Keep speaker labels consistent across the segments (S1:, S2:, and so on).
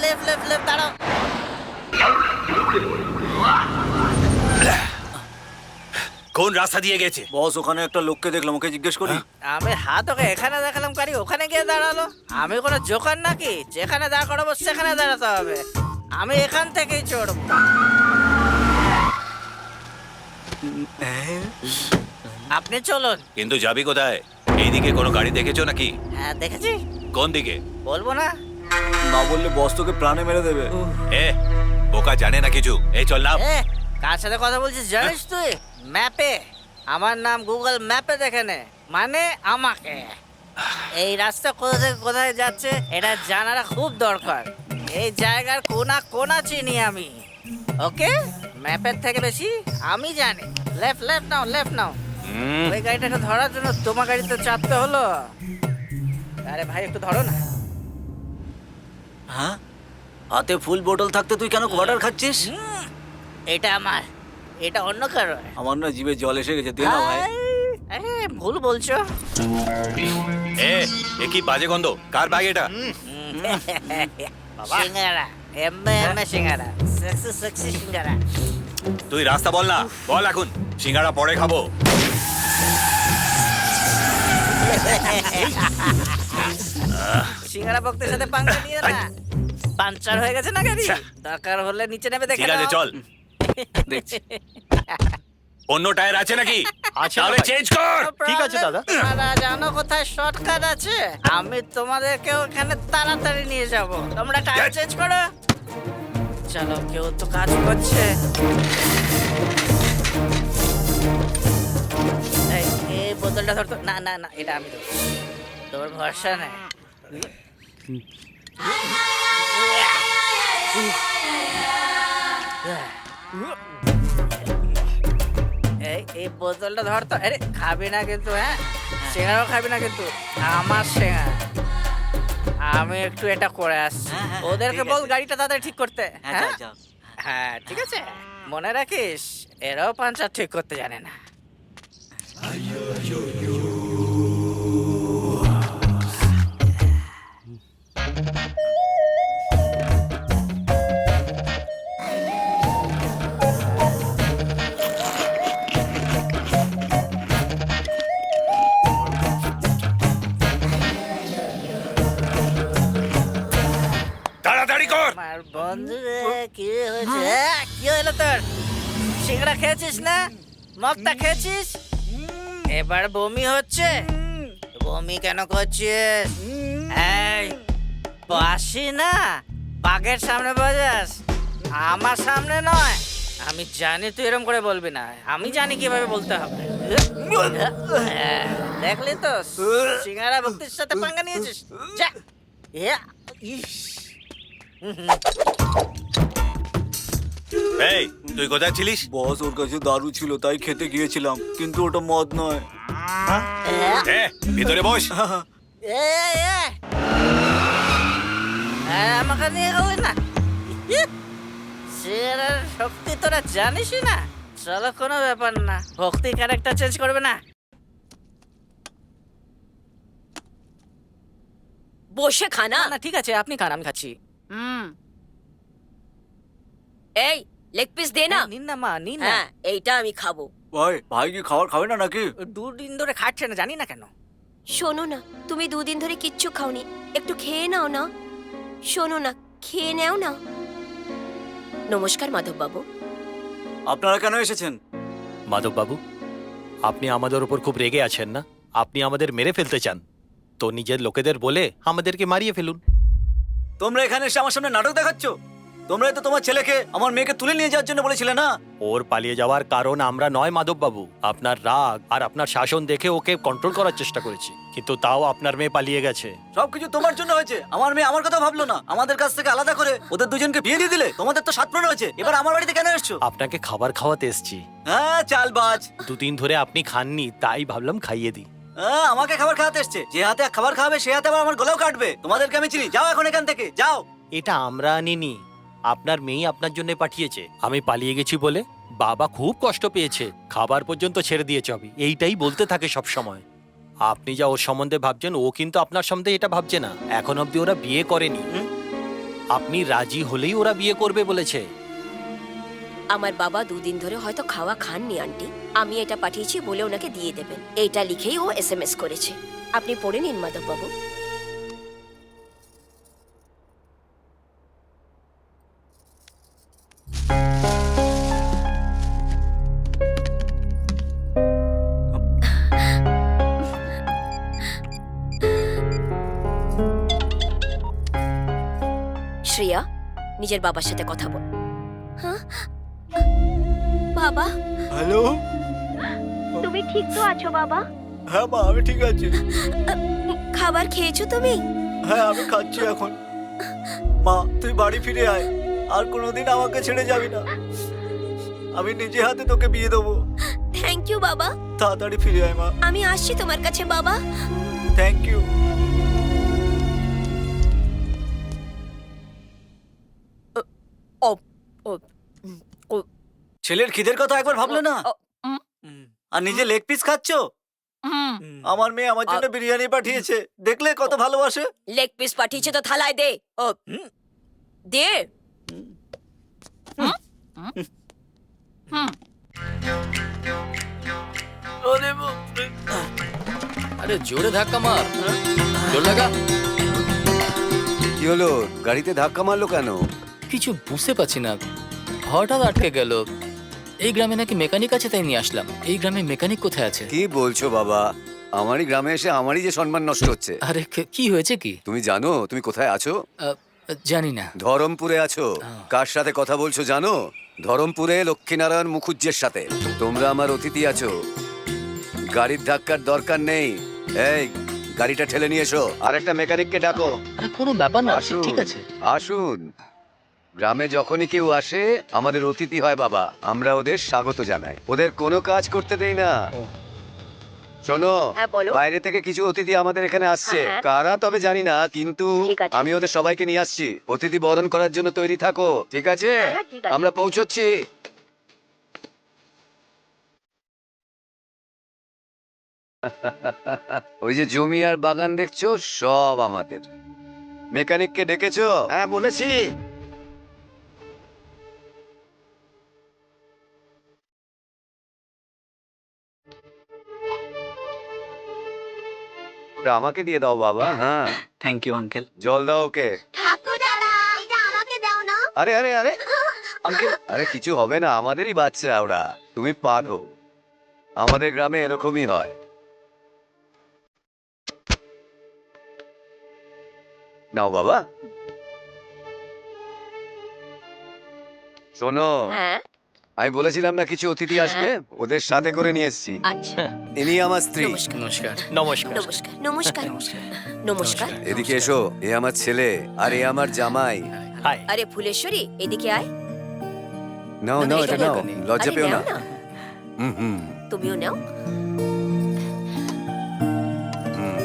S1: Left left left দাঁড়াও।
S2: কোন রাস্তা দিয়ে গেছে?
S3: বস ওখানে একটা লোককে দেখলাম, ওকে জিজ্ঞেস করি।
S1: আমি হাত ওকে এখানে দেখালাম, গাড়ি ওখানে গিয়ে দাঁড়ালো। আমি কোনো জোকার নাকি যেখানে দাঁড় করাবো সেখানে দাঁড়াতে হবে? আমি এখান থেকেই চড়বো। আপনি চলুন।
S2: কিন্তু যাবি কোথায়? এইদিকে কোনো গাড়ি দেখেছো নাকি?
S1: হ্যাঁ দেখেছি।
S2: কোন দিকে?
S1: বলবো না।
S3: না বললে বস তোকে প্রাণে মেরে দেবে।
S2: এ বোকা, জানে না কিছু। এই চল না।
S1: এ কার সাথে কথা বলছিস জানিস তুই? ম্যাপে আমার নাম গুগল ম্যাপে দেখে নে, মানে আমাকে। এই রাস্তা কোথা থেকে কোথায় যাচ্ছে এটা জানাটা খুব দরকার। এই জায়গার কোনা কোনা চিনি আমি। ওকে, ম্যাপের থেকে বেশি আমি জানি। লেফট লেফট নাও, লেফট নাও। ওই গাড়িটাকে ধরার জন্য তোমার গাড়িতে চাপতে হলো। আরে ভাই একটু ধরো না।
S3: হ্যাঁ, হাতে ফুল বোতল থাকতে তুই কেন কোয়ার্টার খাচ্ছিস?
S1: এটা আমার, এটা অন্য কারো।
S3: আমার না জিভে জল এসে গেছে, দে না ভাই।
S1: আরে ভুল বলছো।
S2: এ কি বাজে গন্ধ? কার ব্যাগ এটা?
S1: সিঙ্গারা, এমএ এমএ সিঙ্গারা, সেক্সি সেক্সি সিঙ্গারা।
S2: তুই রাস্তা বল না, বল এখন। সিঙ্গারা পরে খাবো।
S1: সিঙ্গারা ভক্তের সাথে পাঙ্গা নিয়ে না। পাঞ্চার হয়ে গেছে না গাড়ি? দরকার হলে নিচে নেমে দেখে
S2: ঠিক আছে
S1: নাও।
S2: চল।
S3: দেখছি।
S2: অন্য টায়ার আছে নাকি?
S4: আছে
S2: তাহলে
S4: ভাই।
S2: চেঞ্জ কর।
S4: ঠিক আছে দাদা।
S1: তোমরা জানো কোথায় শর্টকাট আছে? আমি তোমাদেরকে ওখানে তাড়াতাড়ি নিয়ে যাব। তোমরা টায়ার চেঞ্জ করো। চলো, কেউ তো কাজ করছে। এই বোতলটা ধরতো। না না না, এটা আমি দেবো। তোর ভরসা নেই। এই বোতলটা ধরতো। আরে খাবি না কিন্তু, হ্যাঁ? সিঙ্গারাও খাবি না কিন্তু। আমার সিঙ্গারা। আমি একটু এটা করে আসছি।
S3: হ্যাঁ,
S1: ওদেরকে
S3: ঠিক
S1: বল
S3: আছে।
S1: গাড়িটা তাদের ঠিক করতে।
S3: হ্যাঁ,
S1: হ্যাঁ
S3: যাও, যাও।
S1: হ্যাঁ ঠিক আছে, মনে রাখিস এরাও পাঞ্চার ঠিক করতে জানে না।
S2: তাড়াতাড়ি কর।
S1: আমার বন্ধু রে, কি হয়েছে? কি হলো তোর? সিঙ্গারা খেয়েছিস না? মগটা খেয়েছিস? এবার বমি হচ্ছে? বমি কেন করছিস? এই বাসি না, বাঘের সামনে বাজাস, আমার সামনে নয়। আমি জানি তুই এরকম করে বলবি না, আমি জানি কিভাবে বলতে হবে। দেখলি তো, সিঙ্গারা ভক্তির সাথে পাঙ্গা নিয়েছিস। যা। ইস।
S2: এই তুই কোথায় ছিলিস?
S3: বস ওর কাছে দারু ছিল তাই খেতে গিয়েছিলাম, কিন্তু ওটা মদ নয়।
S2: এ ভিতরে বস।
S1: আমাকে নিয়ে গেলি না? সিগারের শক্তি তোরা জানিসই না। চলো, কোনো ব্যাপার না, ভক্তি ক্যারেক্টার চেঞ্জ করবে না।
S5: বসে খানা।
S1: না ঠিক আছে, আপনি খান, আমি খাচ্ছি।
S5: এই লেগ পিস দে না।
S1: নিন না মা, নিন না।
S5: হ্যাঁ, এইটা আমি খাবো।
S3: ভাই, ভাই কি খাবার খাবে না নাকি?
S1: দুদিন ধরে খাচ্ছে না, জানি না কেন।
S5: শোনো না, তুমি দুদিন ধরে কিচ্ছু খাওনি, একটু খেয়ে নাও না। শোনো না, খেয়ে নাও না। নমস্কার মাধব বাবু।
S3: আপনারা কেন এসেছেন?
S4: মাধববাবু, আপনি আমাদের উপর খুব রেগে আছেন না? আপনি আমাদের মেরে ফেলতে চান, তো নিজের লোকেদের বলে আমাদেরকে মারিয়ে ফেলুন।
S3: তোমরা এখানে এসে আমার সামনে নাটক দেখাচ্ছ? তোমরাই তো তোমার ছেলেকে আমার মেয়েকে তুলে নিয়ে যাওয়ার জন্য বলেছিলে না?
S4: ওর পালিয়ে যাওয়ার কারণ আমরা নয় মাধববাবু। আপনার রাগ আর আপনার শাসন দেখে ওকে কন্ট্রোল করার চেষ্টা করেছি, কিন্তু তাও আপনার মেয়ে পালিয়ে গেছে।
S3: সবকিছু তোমার জন্য হয়েছে। আমার মেয়ে আমার কথা ভাবলো না, আমাদের কাছ থেকে আলাদা করে ওদের দুজনকে বিয়ে দিয়ে দিলে। তোমাদের তো 7 প্রণ হয়েছে, এবার আমার বাড়িতে কেন এসছো?
S4: আপনাকে খাবার খাওয়াতে এসছি।
S3: হ্যাঁ, চালবাজ।
S4: দুদিন ধরে আপনি খাননি, তাই ভাবলাম খাইয়ে দিই।
S3: হ্যাঁ, আমাকে খাবার খাওয়াতে এসছে। যে হাতে খাবার খাওয়াবে সে হাতে আবার আমার গলাও কাটবে। তোমাদেরকে আমি চিনি, যাও এখন এখান থেকে, যাও।
S4: এটা আমরা আনিনি, আপনার মেয়ে আপনার জন্য পাঠিয়েছে। আমি পালিয়ে গেছি বলে বাবা খুব কষ্ট পেয়েছে, খাবার পর্যন্ত ছেড়ে দিয়েছে। আমি এইটাই বলতে থাকে সব সময়। আপনি যা ওর সম্বন্ধে ভাবছেন, ও কিন্তু আপনার সম্বন্ধে এটা ভাবছে না। এখন অবধি ওরা বিয়ে করেনি। আপনি রাজি হলেই ওরা বিয়ে করবে বলেছে।
S5: আমার বাবা 2 দিন ধরে হয়তো খাওয়া খাননি আন্টি। আমি এটা পাঠিয়েছি বলে ওনাকে দিয়ে দেবেন। এইটা লিখেই ও এসএমএস করেছে। আপনি পড়ে নিন মাধব বাবু। শ্রেয়া, নিজের বাবার সাথে কথা বল। হ্যাঁ বাবা,
S3: হ্যালো।
S5: তুমি ঠিক তো আছো বাবা?
S3: হ্যাঁ মা, আমি ঠিক আছি।
S5: খাবার খেয়েছো তুমি?
S3: হ্যাঁ, আমি খাচ্ছি এখন। মা, তুই বাড়ি ফিরে আয়, আর কোনোদিন আমাকে ছেড়ে যাবি না। আমি নিজে হাতে তোকে বিয়ে দেবো।
S5: থ্যাংক ইউ বাবা।
S3: তাড়াতাড়ি ফিরে আয় মা।
S5: আমি আসছি তোমার কাছে বাবা।
S3: Thank you.
S5: ও ও ও
S3: ছেলের খিদের কথা একবার ভাবলে না? আর নিজে লেগ পিস খাচ্ছ? আমার মেয়ে আমার জন্য বিরিয়ানি পাঠিয়েছে, দেখলে কত ভালোবাসে।
S5: লেগ পিস পাঠিয়েছে তো থালায় দে। ও দে।
S6: আরে জোরে ধাক্কা মার, জোর লাগা।
S7: কি হলো, গাড়িতে ধাক্কা মারলো কেন?
S6: কিছু বুঝতে পারছি না, হঠাৎ আটকে গেল। এই গ্রামে নাকি মেকানিক আছে, তাই নিয়ে আসলাম। এই গ্রামে মেকানিক কোথায় আছে?
S7: কি বলছো বাবা? আমারই গ্রামে এসে আমারই যে সম্মান নষ্ট হচ্ছে।
S6: আরে কি হয়েছে কি?
S7: তুমি জানো তুমি কোথায় আছো?
S6: জানি না।
S7: ধরমপুরে আছো। কার সাথে কথা বলছো জানো? ধরমপুরে লক্ষ্মীনারায়ণ মুখুজ্জের সাথে। তোমরা আমার অতিথি আছো, গাড়ির ধাক্কার দরকার নেই। এই গাড়িটা ঠেলে নিয়ে এসো, আর একটা মেকানিককে ডাকো।
S6: আরে কোনো ব্যাপার না,
S7: আসুন
S6: ঠিক আছে।
S7: আসুন। গ্রামে যখনই কেউ আসে আমাদের অতিথি হয় বাবা, আমরা ওদের স্বাগত জানাই, ওদের কোনো কাজ করতে দেই না। শোনো,
S5: হ্যাঁ, বলো।
S7: বাইরে থেকে কিছু অতিথি আমাদের এখানে আসছে,
S5: হ্যাঁ।
S7: কারা তবে জানি না, কিন্তু
S5: ঠিক আছে।
S7: আমি ওদের সবাইকে নিয়ে আসছি। অতিথি বরণ করার জন্য তৈরি থাকো, ঠিক আছে?
S5: হ্যাঁ, ঠিক আছে।
S7: আমরা পৌঁছচ্ছি। ওই যে জমি আর বাগান দেখছো, সব আমাদের। মেকানিককে ডেকেছো? হ্যাঁ বলেছি। ওটা আমাকে দিয়ে দাও বাবা। হ্যাঁ,
S3: থ্যাংক ইউ আঙ্কেল।
S7: জল দাও ওকে।
S5: ঠাকুর দাদা, এটা আমাকে দাও না।
S7: আরে আরে আরে আঙ্কেল, আরে কিছু হবে না, আমাদেরই বাচ্চা ওরা, তুমি পারো। আমাদের গ্রামে এরকমই হয়। নাও বাবা। শোনো,
S5: হ্যাঁ,
S7: আমি বলেছিলাম না কিছু অতিথি আসবে, ওদের সাথে করে নিয়ে এসেছি।
S5: আচ্ছা।
S7: ইনি আমার স্ত্রী।
S5: নমস্কার
S6: নমস্কার।
S4: নমস্কার।
S5: নমস্কার নমস্কার নমস্কার।
S7: এদিকে এসো, এ আমার ছেলে আর এ আমার জামাই।
S4: হাই।
S5: আরে ফুলেশ্বরী, এদিকে আয়।
S7: নাও নাও, এটা নাও, লজ্জা
S5: আরে
S7: পেও না।
S5: নাও
S7: হুম হুম
S5: তুমিও নাও।
S7: হুম।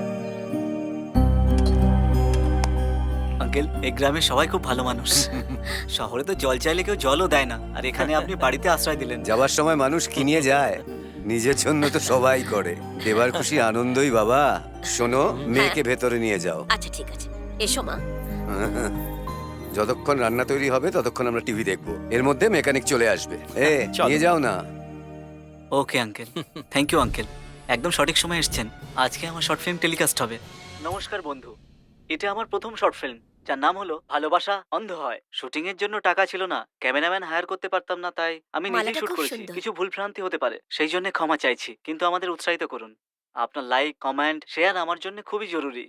S3: আঙ্কেল, এই গ্রামের সবাই খুব ভালো মানুষ। শহরে তো জল চাইলে কেউ জলও দেয় না, আর এখানে আপনি বাড়িতে আশ্রয় দিলেন।
S7: যাবার সময় মানুষ কি নিয়ে যায়? নিজের জন্য তো সবাই করে, দেবার খুশি আনন্দই বাবা। শোনো, মেয়েকে ভেতরে নিয়ে যাও।
S5: আচ্ছা ঠিক আছে, এসো মা।
S7: যতক্ষণ রান্না তৈরি হবে ততক্ষণ আমরা টিভি দেখবো, এর মধ্যে মেকানিক চলে আসবে।
S4: চলো।
S7: নিয়ে যাও না।
S3: Okay uncle, thank you uncle, একদম সঠিক সময় এসেছেন। আজকে আমার শর্ট ফিল্ম টেলিকাস্ট হবে। নমস্কার বন্ধু, এটা আমার প্রথম শর্ট ফিল্ম, যার নাম হলো ভালোবাসা অন্ধ হয়। শুটিং এর জন্য টাকা ছিল না, ক্যামেরাম্যান হায়ার করতে পারতাম না, তাই আমি নিজেই
S5: মালাটা
S3: শুট
S5: খুব
S3: করেছি।
S5: সুন্দর।
S3: কিছু ভুল ভ্রান্তি হতে পারে, সেই জন্য ক্ষমা চাইছি, কিন্তু আমাদের উৎসাহিত করুন। আপনার লাইক, কমেন্ট, শেয়ার আমার জন্য খুবই জরুরি।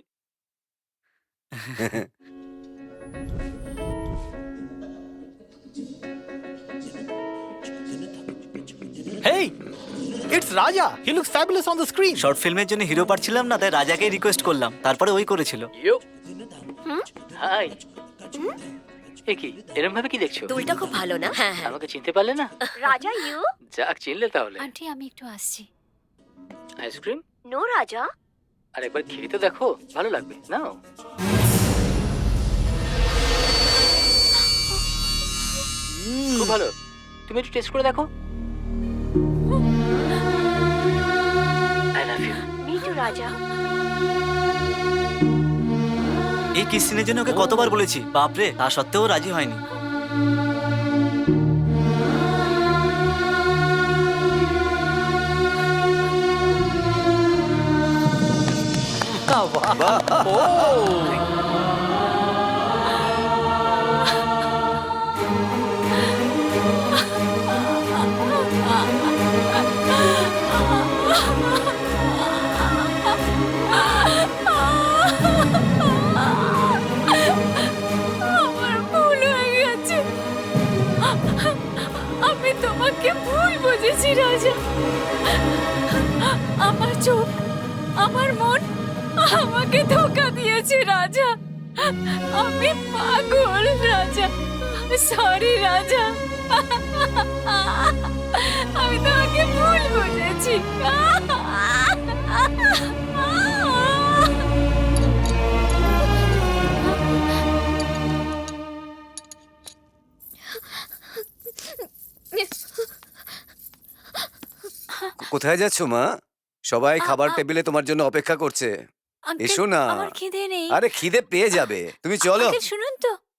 S4: Hey, it's Raja. He looks fabulous on the screen.
S3: Short ফিল্মের জন্য হিরো পাচ্ছিলাম না, তাই রাজাকেই রিকোয়েস্ট করলাম, তারপরে ওই করেছিল।
S6: ইয়ো হাই। এ কি এরকম ভাবে কি দেখছো?
S5: দুলটা খুব ভালো না? হ্যাঁ হ্যাঁ।
S6: আমাকে চিনতে পারলে না?
S5: রাজা ইউ?
S6: যাক, চিনলে তাহলে।
S8: আন্টি আমি একটু আসছি।
S6: আইসক্রিম?
S5: নো রাজা।
S6: আর একবার খেয়ে তো দেখো, ভালো লাগবে। নাও। খুব ভালো, তুমি একটু টেস্ট করে দেখো। I love you.
S5: Me too Raja.
S3: এই কিস সিনের জন্য ওকে কতবার বলেছি, বাপরে, তা সত্ত্বেও ও রাজি হয়নি।
S8: আমার ভুল হয়ে গেছে। আমি তোমাকে ভুল বুঝেছি রাজা। আমার চোখ, আমার মন আমাকে ধোকা দিয়েছে রাজা। আমি পাগল রাজা। সরি রাজা, আমি তোমাকে ভুল বুঝেছি।
S7: কোথায় যাচ্ছ মা? সবাই খাবার টেবিলে তোমার জন্য অপেক্ষা করছে।
S8: আঙ্কেল,
S7: এসো না।
S8: আমার খিদে নেই।
S7: আরে খিদে পেয়ে যাবে, তুমি চলো।
S8: আঙ্কেল শুনুন তো,